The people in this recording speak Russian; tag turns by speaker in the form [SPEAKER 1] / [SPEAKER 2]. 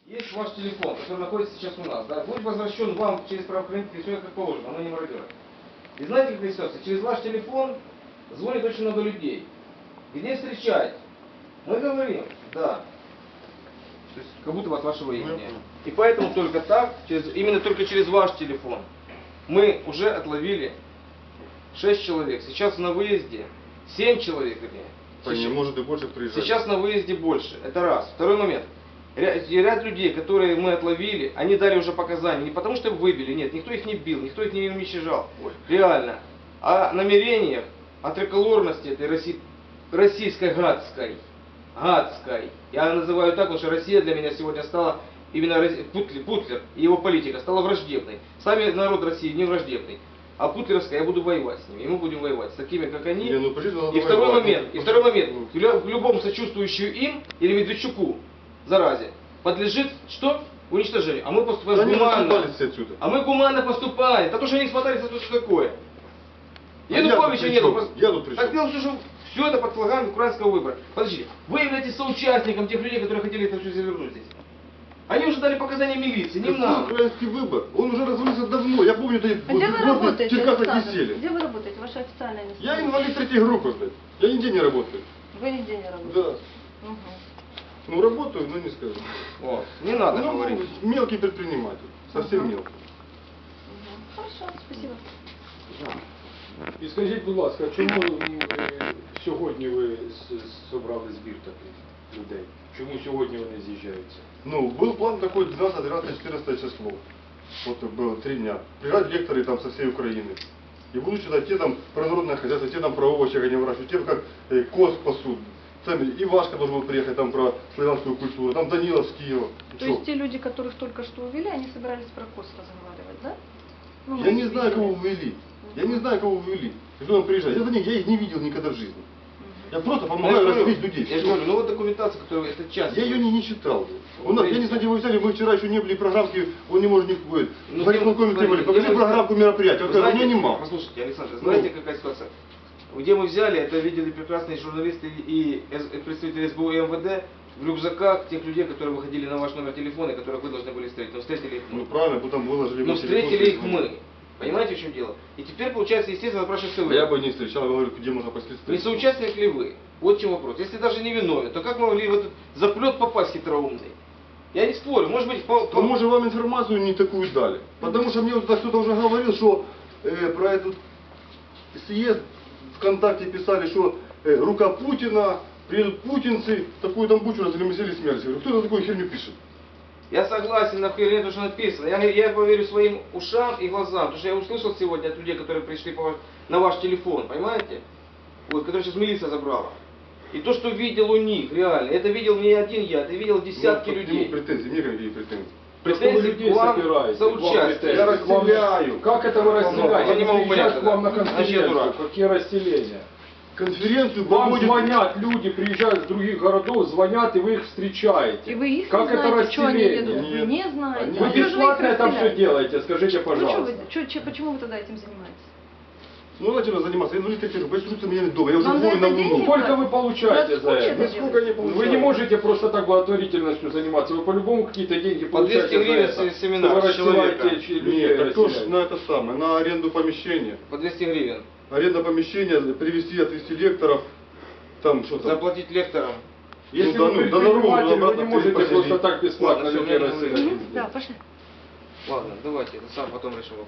[SPEAKER 1] Есть ваш телефон, который находится сейчас у нас, да, будет возвращен вам через правоохранительные все как положено, оно не мародеры. И знаете, какая ситуация? Через ваш телефон звонит очень много людей. Где встречать? Мы говорим, да. То есть, как будто вас вашего имени. И поэтому только так, именно только через ваш телефон, мы уже отловили 6 человек. Сейчас на выезде 7 человек, вернее.
[SPEAKER 2] Может и больше приезжать.
[SPEAKER 1] Сейчас на выезде больше. Это раз. Второй момент. Ряд людей, которые мы отловили, они дали уже показания. Не потому что выбили, нет, никто их не бил, никто их не уничтожал. Реально. О намерениях, о триколорности этой российской гадской. Я называю так, потому что Россия для меня сегодня стала, именно Путлер и его политика стала враждебной. Сами народ России не враждебный. А путлеровская, я буду воевать с ними, и мы будем воевать с такими, как они. И второй момент, любому сочувствующему им или Медведчуку, заразе, подлежит что? Уничтожению. А мы поступаем гуманно. А мы гуманно поступаем. Да то, что они смотрели, что такое. Януковича нету. Так дело, что все это под флагами украинского выбора. Подождите, вы являетесь соучастником тех людей, которые хотели это все завернуть здесь. Они уже дали показания милиции, не нам.
[SPEAKER 2] Украинский выбор, он уже развалился давно. Я помню,
[SPEAKER 3] где вы работаете, Александр? Где вы работаете? Ваше официальное место?
[SPEAKER 2] Я инвалид третьей группы, блядь. Я нигде не работаю.
[SPEAKER 3] Вы нигде не работаете?
[SPEAKER 2] Да.
[SPEAKER 3] Угу.
[SPEAKER 2] Ну работаю, но не скажу.
[SPEAKER 1] Вот. Не надо говорить.
[SPEAKER 2] Мелкий предприниматель. Совсем мелкий.
[SPEAKER 3] Хорошо, спасибо.
[SPEAKER 4] І скажіть, будь ласка, чому сьогодні ви зібрали збір таких людей? Чому сьогодні вони з'їжджаються?
[SPEAKER 2] Ну, был план такой 12, 13, 14 число. Вот было 3 дня. Приезжают лекторы там со всей Украины. И будут читать те там про народное хозяйство, те там про овощи они выращивают, те как коз пасут. Там Ивашка должен был приехать там про славянскую культуру, там Данилов с Киева.
[SPEAKER 3] То есть те люди, которых только что увели, они собирались про коз разговаривать, да? Ну,
[SPEAKER 2] Я не знаю, кого ввели. Я не знаю, кого ввели. Кто там приезжает. Я их не видел никогда в жизни. Я просто помогаю развить людей.
[SPEAKER 1] Я же говорю, ну вот документация, которая это часть.
[SPEAKER 2] Я ее не читал. У нас, я не знаю, где вы взяли, мы вчера еще не были программки, он не может не будет. В исполкоме требовали, покажи программку мероприятия. Он сказал, у меня нема.
[SPEAKER 1] Послушайте, Александр, знаете, какая ситуация? Где мы взяли, это видели прекрасные журналисты и представители СБУ и МВД в рюкзаках тех людей, которые выходили на ваш номер телефона, которых вы должны были встретить. Но встретили их мы.
[SPEAKER 2] Ну правильно, потом выложили.
[SPEAKER 1] Но встретили их мы. Понимаете, в чем дело? И теперь, получается, естественно, спрашивается вы.
[SPEAKER 2] Я бы не встречал, я говорю, где можно последствия.
[SPEAKER 1] Не соучастник ли вы? Вот в чем вопрос. Если даже не виновен, то как могли в этот заплет попасть хитроумный? Я не спорю, может быть...
[SPEAKER 2] А может вам информацию не такую дали? Потому что мне вот кто-то уже говорил, что про этот съезд ВКонтакте писали, что рука Путина, приедут путинцы, такую там бучу разгромили смерть. Я говорю, кто это такую херню пишет?
[SPEAKER 1] Я согласен на херню, то, что написано. Я поверю своим ушам и глазам, потому что я услышал сегодня от людей, которые пришли на ваш телефон, понимаете? Вот, который сейчас милиция забрала. И то, что видел у них, реально, это видел не один я, это видел десятки людей.
[SPEAKER 2] Претензии, мне какие претензии?
[SPEAKER 1] Претензии к вам за участие.
[SPEAKER 2] Я разделяю.
[SPEAKER 4] Как это вы разделяете?
[SPEAKER 1] Я не могу понять,
[SPEAKER 4] Приезжают к вам на
[SPEAKER 1] значит, я дурак.
[SPEAKER 4] конференцию. Какие разделения?
[SPEAKER 2] Конференцию
[SPEAKER 4] Вам
[SPEAKER 2] проводит...
[SPEAKER 4] звонят люди, приезжают с других городов, звонят, и вы их встречаете.
[SPEAKER 3] И вы их
[SPEAKER 4] как
[SPEAKER 3] не
[SPEAKER 4] это
[SPEAKER 3] знаете, что они
[SPEAKER 4] разделение?
[SPEAKER 3] ведут? Вы не знаете.
[SPEAKER 4] Вы
[SPEAKER 3] А что же
[SPEAKER 4] бесплатно
[SPEAKER 3] их
[SPEAKER 4] это все
[SPEAKER 3] разделяете?
[SPEAKER 4] делаете, скажите,
[SPEAKER 3] Ну,
[SPEAKER 4] пожалуйста.
[SPEAKER 3] почему вы тогда этим занимаетесь?
[SPEAKER 2] Ну, начали заниматься. Я инвалид третьей группы, я чувствую меня дома. Я уже
[SPEAKER 3] Вам за
[SPEAKER 2] хворю
[SPEAKER 3] это
[SPEAKER 2] на
[SPEAKER 3] деньги
[SPEAKER 2] Луну.
[SPEAKER 4] Сколько вы получаете
[SPEAKER 3] Вас
[SPEAKER 4] за
[SPEAKER 3] куча
[SPEAKER 4] это?
[SPEAKER 3] это
[SPEAKER 2] Сколько не
[SPEAKER 4] Вы
[SPEAKER 2] получаю?
[SPEAKER 4] не можете просто так благотворительностью заниматься. Вы по-любому какие-то деньги
[SPEAKER 1] По 200
[SPEAKER 4] получаете
[SPEAKER 1] гривен
[SPEAKER 4] за это.
[SPEAKER 1] семинар
[SPEAKER 4] Что вы
[SPEAKER 1] человека.
[SPEAKER 4] рассылаете людей,
[SPEAKER 2] Нет, так тоже
[SPEAKER 4] расселяете.
[SPEAKER 2] на это самое, на аренду помещения.
[SPEAKER 1] По 200 гривен.
[SPEAKER 2] Аренда помещения, привезти, отвезти лекторов, там что-то.
[SPEAKER 1] Заплатить лекторам.
[SPEAKER 4] Если
[SPEAKER 2] Ну,
[SPEAKER 4] вы
[SPEAKER 2] да, на дорогу,
[SPEAKER 4] предприниматель, вы
[SPEAKER 2] обратно
[SPEAKER 4] не можете
[SPEAKER 2] поселить.
[SPEAKER 4] просто так бесплатно
[SPEAKER 1] Ладно, всё,
[SPEAKER 4] людей
[SPEAKER 1] мне
[SPEAKER 4] рассылать.
[SPEAKER 3] Да, пошли.
[SPEAKER 1] Ладно, давайте, сам потом решим.